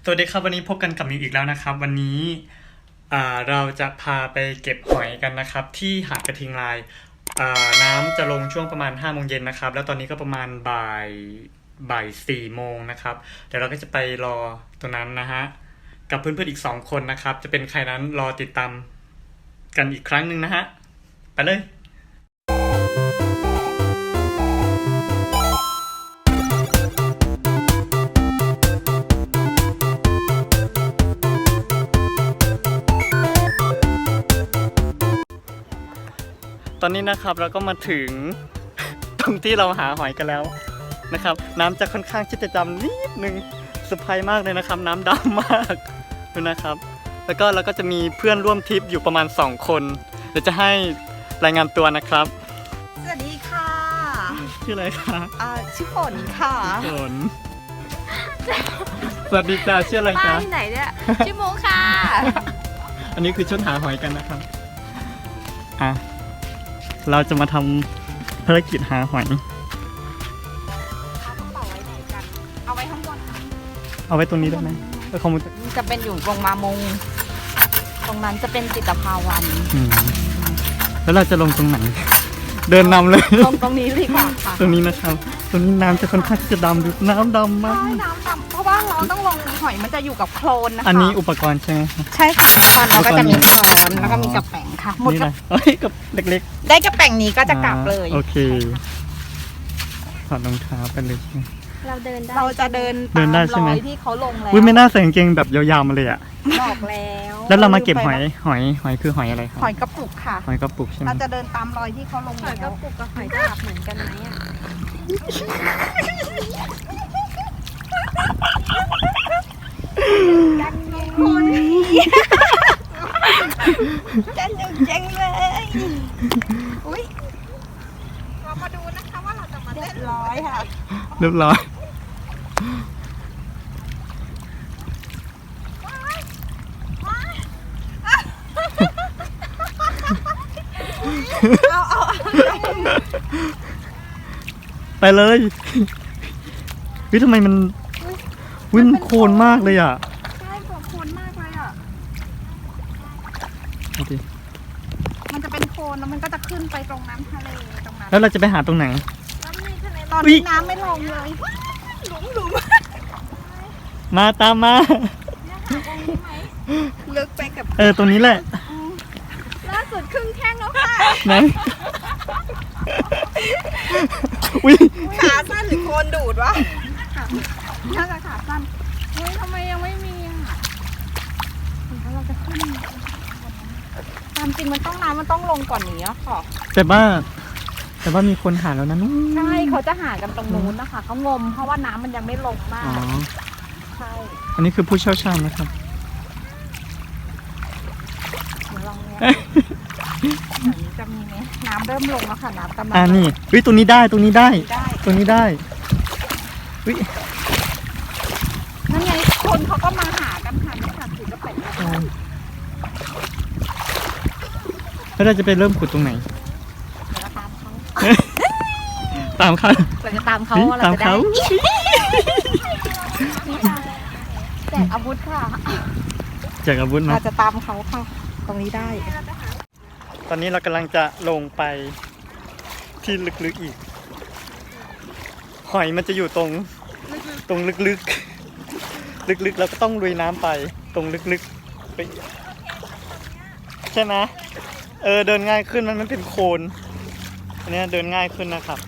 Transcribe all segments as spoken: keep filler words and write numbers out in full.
สวัสดีครับวันนี้พบกันกับมิวอีกแล้วนะครับวันนี้เราจะพาไปเก็บหอยกันนะครับที่หาดกระทิงลายน้ำจะลงช่วงประมาณห้าโมงเย็นนะครับแล้วตอนนี้ก็ประมาณบ่ายบ่ายสี่โมงนะครับเดี๋ยวเราก็จะไปรอตรงนั้นนะฮะกับเพื่อนๆอีกสองคนนะครับจะเป็นใครนั้นรอติดตามกันอีกครั้งหนึ่งนะฮะไปเลยตอนนี้นะครับเราก็มาถึงตรงที่เราหาหอยกันแล้วนะครับน้ำจะค่อนข้างที่จะดำนิดนึงเซอร์ไพรส์มากเลยนะครับน้ำดำมากดูนะครับแล้วก็เราก็จะมีเพื่อนร่วมทริปอยู่ประมาณสองคนเดี๋ยวจะให้รายงานตัวนะครับสวัสดีค่ะชื่ออะไรคะอ่าชื่อฝนค่ะฝนสวัสดีจ้าชื่ออะไรจ๊ะที่ไหนเนี่ยชื่อโมค่ะอันนี้คือชุดหาหอยกันนะครับอ่ะเราจะมาทำภารกิจหาหอยเอากระเป๋าไว้ไหนกันเอาไว้ข้างบนเอาไว้ตรงนี้ได้ไหมเออคอมมูจะเป็นอยู่ตรงมามงตรงนั้นจะเป็นจิตภาวันแล้วเราจะลงตรงไหนเดินนำเลยตรงตรงนี้ดีกว่าค่ะตรงนี้นะครับตรงนี้น้ำจะค่อนข้างจะดำดูน้ำดำมากใช่น้ำดำเพราะว่าเราต้องลงหอยมันจะอยู่กับโคลนนะคะอันนี้อุปกรณ์ใช่ไหมใช่ค่ะอุปกรณ์เราก็จะมีช้อนแล้วก็มีกระแป้งค่ะหมดกับเอ้ยกับเล็กๆได้กระแป้งนี้ก็จะกลับเลยโอเคถอดรองเท้าไปเลยเราเดินได้เราจะเดินเดินได้ใช่ไหมที่เขาลงแล้วอุ้ยไม่น่าใส่กางเกงแบบยาวๆมาเลยอ่ะบอกแล้วแล้วเรามาเก็บหอยหอยหอยคือหอยอะไรครับหอยกระปุกค่ะหอยกระปุกใช่ไหมเราจะเดินตามรอยที่เขาลงหอยกระปุกกับหอยกาบเหมือนกันไหมอ่ะดังคนจันยังเจ๋งเลยอุ้ยเรามาดูนะคะว่าเราจะมาเล่นร้อยค่ะเรียบร้อยเอาเอาไปเลยวิทำไมมันวิ่งโคลนมากเลยอ่ะใช่โคลนมากเลยอ่ะโอเคมันจะเป็นโคลนแล้วมันก็จะขึ้นไปตรงน้ำทะเลตรงนั้นแล้วเราจะไปหาตรงไหนตอนนี้น้ำไม่ลงเลยหลุมหลุมมาตามมาลึกไปกับเออตรงนี้แหละล่าสุดครึ่งแข้งแล้วค่ะไหนอุ้ยขาสั้นหรือโคนดูดวะน่าจะขาสั้นเฮ้ยทำไมยังไม่มีอ่ะแล้วเราจะขึ้นตามจริงมันต้องน้ำมันต้องลงก่อนนี้อ่ะค่ะแต่ว่าแต่ว่ามีคนหาแล้วนะนู้นใช่เขาจะหากันตรงนู้นนะคะเขางมเพราะว่าน้ำมันยังไม่ลงมากอ๋อใช่อันนี้คือผู้เชี่ยวชาญนะครับเดี๋ยวลองเนี่ยจะมีไหมน้ำเริ่มลงแล้วค่ะน้ำกำลังอ่านี่วิตรงนี้ได้ตรงนี้ได้ตรงนี้ได้วินั่นไงคนเขาก็มาหากันค่ะไม่ขาดถือกระเป็ดแล้วเราจะไปเริ่มขุดตรงไหนตามเขาตามเขาเราจะตามเขาเราจะได้แจกอาวุธค่ะแจกอาวุธนะเราจะตามเขาค่ะตรงนี้ได้ตอนนี้เรากำลังจะลงไปที่ลึกๆอีกหอยมันจะอยู่ตรงตรงลึกๆลึกๆเราก็ต้องลุยน้ำไปตรงลึกๆไปใช่ไหมเออเดินง่ายขึ้นมันไม่เป็นโคลนอันนี้เดินง่ายขึ้นนะครับ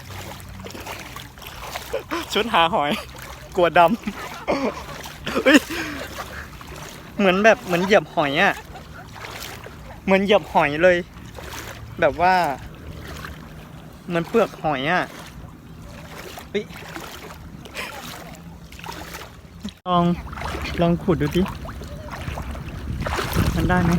ชุดหาหอยกลัวดำเหมือนแบบเหมือนเหยียบหอยอ่ะเหมือนเหยียบหอยเลยแบบว่าเหมือนเปลือกหอยอ่ะลองลองขุดดูดิมันได้ไหม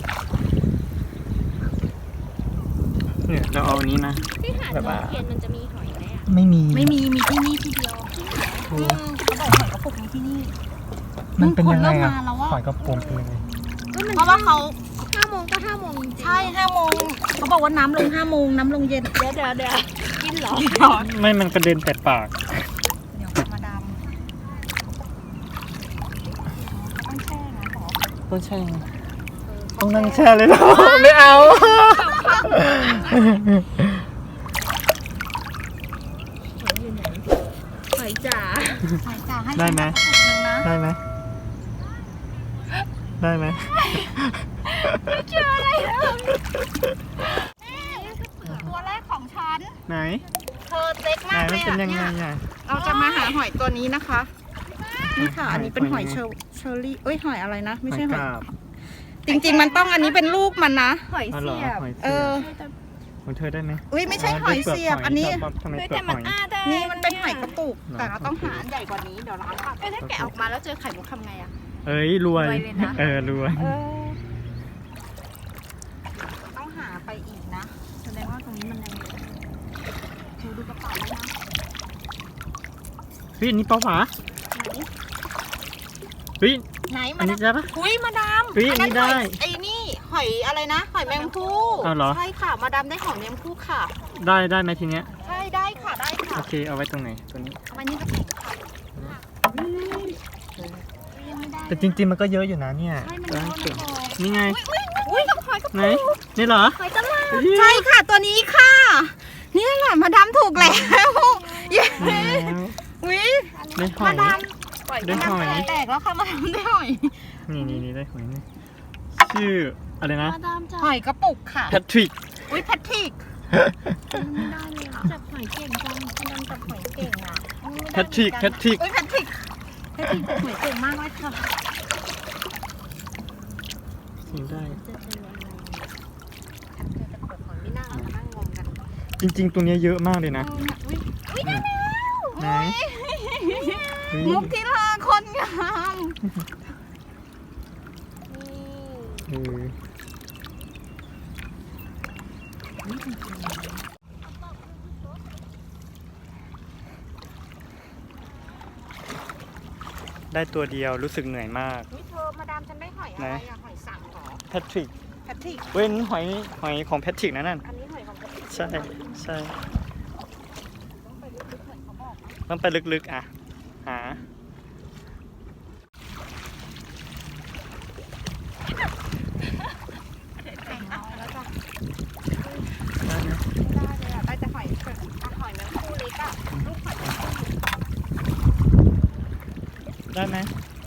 เนี่ยเราเอาอันนี้นะที่หาดนนเทียนมันจะมีหอยไหมอ่ะไม่มีไม่มีมีที่นี่ที่เดียวเขาบอกหอยกระปุกมีที่นี่มันเป็นยังไงอ่ะหอยกระปุกเป็นยังไงเพราะว่าเขาห้าโมงก็ห้าโมงจริงใช่ห้าโมงเขาบอกว่าน้ำลงห้าโมงน้ำลงเย็นเดี๋ยวเดี๋ยวเดี๋ยวกินเหรอไม่มันกระเด็นแต่ปากเดี๋ยวมาดามต้องแช่นะหรอต้องแช่ต้องนั่งแช่เลยเหรอ ไม่เอาหอยจ๋าหอยจ๋าให้ได้ไหมฉันสักกระปุกหนึ่งนะได้ไหมได้ไหมตัวแรกของฉันไหนเธอเล็กไหนมากมัเลนยเป็นอ่ะยังไงเนี่ยอ่ะเราจะมาหาหอยตัวนี้นะคะ นี่ค่ะหอยอันนี้เป็นหอยหอยเชลเชอรี่เอ้ยหอยอะไรนะ ไม่ใช่หอยกาบจริงๆ มันต้องอันนี้เป็นลูกมันนะหอยอ๋อเหรอเสียบหอยเอเสียอบของเธอได้ไหมอุ้ยไม่ใช่หอยเสียบ อันนี้ทำไมเฮ้ยเปลืแต่อกหมันอยอ้าได้นี่มันเป็นหอยกระปุกเหรอแต่เราต้องหาอันใหญ่กว่านี้เดี๋ยวร้านตัดเอ้ยถ้าแกะออกมาแล้วเจอไข่มุกทำไงอ่ะเอ้ยรวยรวยเลยนะเออรวยเออต้องหาไปอีกนะแสดงว่าตรงนี้มันยังดูดูกระเป๋าด้วยนะเฮ้ยอันนี้เปล่าหวาเฮ้ยไหนอัมานนี้ดามได้ปะอุ้ยมาดามเฮ้ยอันนี้ได้หอยไอ้นี่หอยอะไรนะ หอยแมงภู่อ้าวเหรอใช่ค่ะ มาดามได้หอยแมงภู่ค่ะได้ได้ไหมทีเนี้ยใช่ได้ค่ะได้ค่ะโอเคเอาไว้ตรงไหนตัวนี้เอาไว้นี่ก็แข็งค่ะยังไม่ได้แต่จริงๆมันก็เยอะอยู่นะเนี่ยใช่มันเยอะนะพอนี่ไงอุ้ยกับหอยกระไหนปุกนี่เหรอหอยตลาดใช่ค่ะตัวนี้ค่ะ นี่แหละมาดามถูกแล้วเย้แล้วอุ้ยได้หอมาย ดามได้หอยแตกแล้วค่ะมาดามได้หอยนี่นี่นี่ได้หอยนี่ชื่ออะไรนะมาดามจับหอยกระปุกค่ะแพทริกอุ้ยแพทริกไม่ได้เลยอ่ะจับหอยเก่งจังมาดามจับหอยเก่งอ่ะแพทริกแพทริกอุ้ยแพทริกแพทริกจับหอยเก่งมากเลยค่ะกินได้จะเจออะไรเจอกระปุกหอยไม่น่ามานั่งงงกันจริง ๆ ตัวเนี้ยเยอะมากเลยนะเออเนี่ยอุ้ยอุ้ยได้แล้วไหน เฮ้ยมุกที่ลาคนงามเออได้ตัวเดียวรู้สึกเหนื่อยมากอุ้ยเธอมาดามฉันได้หอยอะไรอะหอยสังเหรอแพทริกแพทริกเว้นหอยหอยของแพทริกนะนั่นอันนี้หอยของแพทริกใช่ใช่ต้องไปลึกๆเหมือนเขาบอกนะต้องไปลึกๆอ่ะ หาแต่งน้อยแล้วจ้ะได้ไหมไม่ได้เลยอะได้แต่หอยเกิดอ่ะหอยแมงคู่เล็กอะลูกหอยแมงคู่ได้ไหม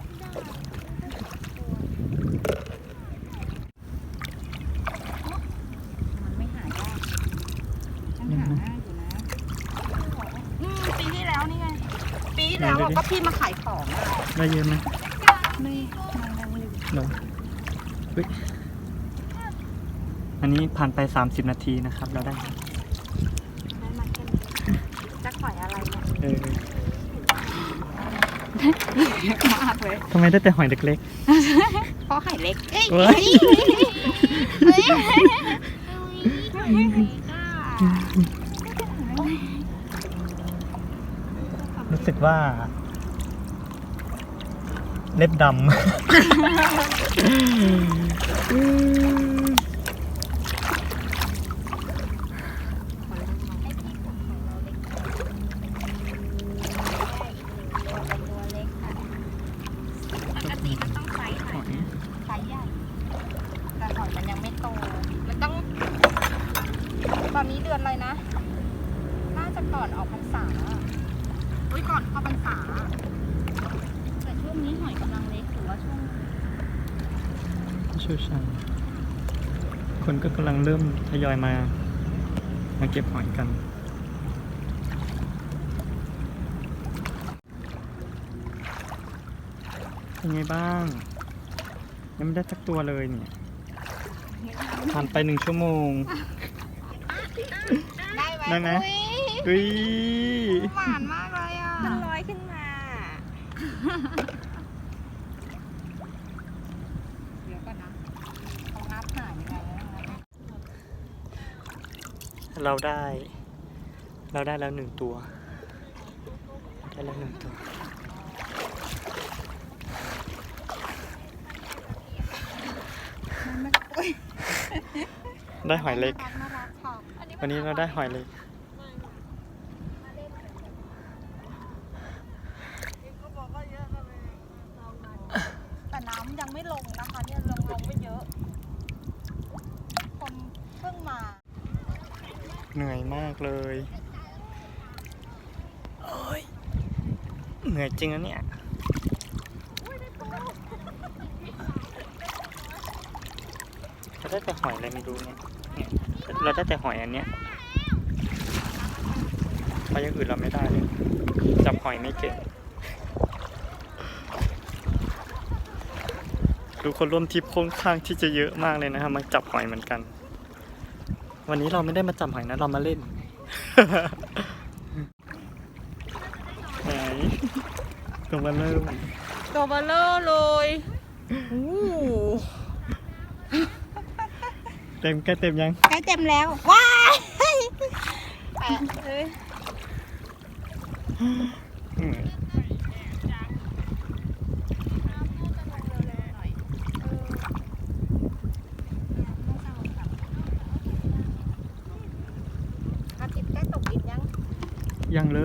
มันไม่หายากฉันหาง่ายอยู่นะอืมปีที่แล้วนี่ไง ปีที่แล้วอะก็พี่มาขายของอะได้เยอะไหมไม่มันยังอยู่เหรอเฮ้ยอันนี้ผ่านไปสามสิบนาทีนะครับ เราได้ได้มาแค่นี้จะหอยอะไรเนี่ยเออเยอะมากเลยทำไมได้แต่หอยเล็กเพราะหอยเล็กเอ้ยๆเว้ยเฮ้ยรู้สึกว่า เล็บดำตัวเล็กค่ะปกติมันต้องไซส์ไหนหอยไซส์ใหญ่ แต่หอยมันยังไม่โต มันต้อง ตอนนี้เดือนอะไรนะ น่าจะก่อนออกพรรษาอุ้ยก่อนเข้าพรรษา แต่ช่วงนี้หอยกำลังเล็กหรือว่าช่วงเชี่ยวชาญคนก็กำลังเริ่มทยอยมา มาเก็บหอยกัน เป็นไงบ้าง ยังไม่ได้สักตัวเลยเนี่ยผ่านไปหนึ่งชั่วโมงได้ไหมได้ไหมอุ๊ยเฮ้ยหวานมากเลยอ่ะมันลอยขึ้นมาเดี๋ยวก่อนนะเขานับหายยังไงวะเราได้ เราได้แล้วหนึ่งตัว ได้แล้วหนึ่งตัวมันอุ๊ยได้หอยเล็กน่ารักค่ะวันนี้เราได้หอยเล็กแต่แต่น้ำยังไม่ลงนะคะเนี่ยลงลงไม่เยอะ คนเพิ่งมาเหนื่อยมากเลยโอ้ยเหนื่อยจริงนะเนี่ยเราได้แต่หอยอะไรไม่รู้เนี่ยเนี่ยเราได้แต่หอยอันเนี้ยเพราะอย่างอื่นเราไม่ได้เลยจับหอยไม่เก่งดูคนร่วมทริปค่อนข้างที่จะเยอะมากเลยนะครับมาจับหอยเหมือนกัน วันนี้เราไม่ได้มาจับหอยนะเรามาเล่น ไหนตัวมาเริ่มตัวเบลเลอร์เลยโอ้เต็มใกล้เต็มยังใกล้เต็มแล้ว ว้ายแปะเลยอืมอาทิตย์ใกล้ตกดินยังยังเลย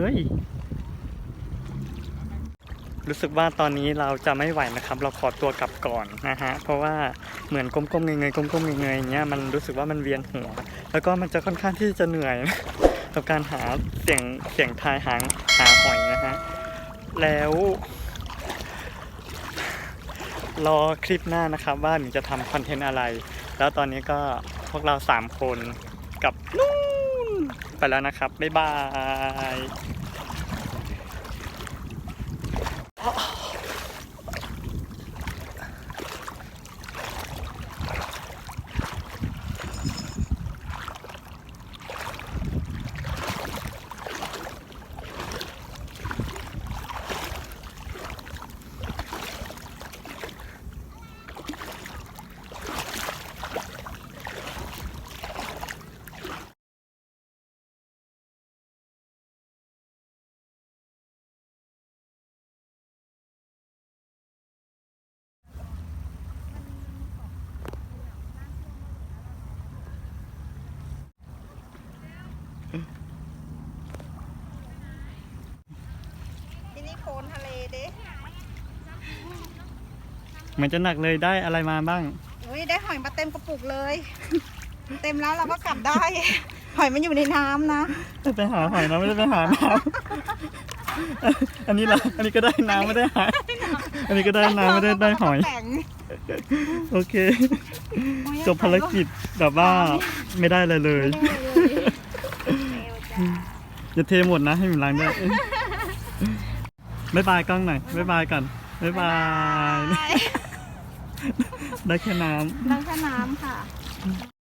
รู้สึกว่าตอนนี้เราจะไม่ไหวนะครับ เราขอตัวกลับก่อนนะฮะ เพราะว่าเหมือนก้มๆเงยๆก้มๆเงยๆอย่างเงี้ยมันรู้สึกว่ามันเวียนหัว แล้วก็มันจะค่อนข้างที่จะเหนื่อย กับการหาเสียงเสียงทายหางหาหอยนะฮะ แล้ว รอคลิปหน้านะครับว่าหนูจะทำคอนเทนต์อะไร แล้วตอนนี้ก็พวกเราสามคนกับนู่นไปแล้วนะครับ บ๊ายบายที่นี่โคลนทะเลเด้เหมือนจะหนักเลยได้อะไรมาบ้างอุ้ยได้หอยมาเต็มกระปุกเลย เต็มแล้วเราก็กลับได้ หอยมันอยู่ในน้ำนะไปหาหอยนะไม่ได้ไปหาน้ำ อันนี้ละอันนี้ก็ได้น้ำไม่ได้หายอันนี้ก็ได้น้ำไม่ได้ได้หอยแข็งโอเค จบภารกิจแบบว่าไม่ได้เลยเลย อย่าเทหมดนะให้หมิล้างด้วยบ๊ายบายกล้องหน่อยบ๊ายบายก่อนบ๊ายบาย ได้แค่น้ำน้ำแค่น้ำค่ะ